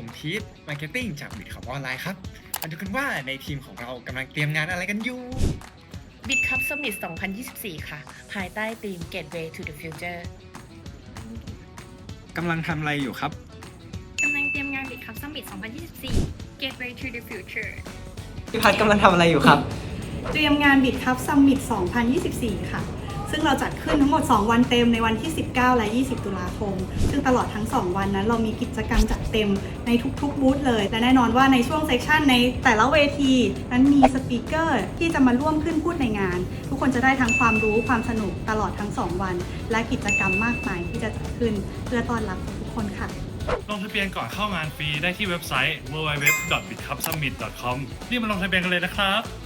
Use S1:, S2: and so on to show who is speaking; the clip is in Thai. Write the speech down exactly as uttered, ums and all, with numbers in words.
S1: ผมทีฟมาร์เก็ตติ้งจากบิตคัพออนไลน์ครับมาดูกันว่าในทีมของเรากำลังเตรียมงานอะไรกันอยู่
S2: บิตคัพ Summit สองพันยี่สิบสี่ ค่ะ ภายใต้ธีม Gateway to the Future
S1: กำลังทำอะไรอยู่ครับ
S3: กำลังเตรียมงาน บิตคัพ Summit สองพันยี่สิบสี่ Gateway to the Future
S4: พี่พัดกำลังทำอะไรอยู่ครับ
S5: เตรียมงาน บิตคัพ Summit สองพันยี่สิบสี่ ค่ะ ซึ่งเราจัดขึ้นทั้งหมด สอง วันเต็มในวันที่ สิบเก้า และ ยี่สิบ ตุลาคม ซึ่งตลอดทั้ง สอง วันนั้นเรามีกิจกรรมจัดเต็มในทุกๆบูธเลย และแน่นอนว่าในช่วงเซสชันในแต่ละเวทีนั้นมีสปีกเกอร์ที่จะมาร่วมขึ้นพูดในงาน ทุกคนจะได้ทั้งความรู้ความสนุกตลอดทั้ง สอง วัน และกิจกรรมมากมายที่จะจัดขึ้นเพื่อต้อนรับทุกคนค่ะ
S6: ลงทะเบียนก่อนเข้างานฟรีได้ที่เว็บไซต์ ดับเบิลยู ดับเบิลยู ดับเบิลยู ดอท บิตคัพซัมมิต ดอท คอม รีบมาลงทะเบียนกันเลยนะครับ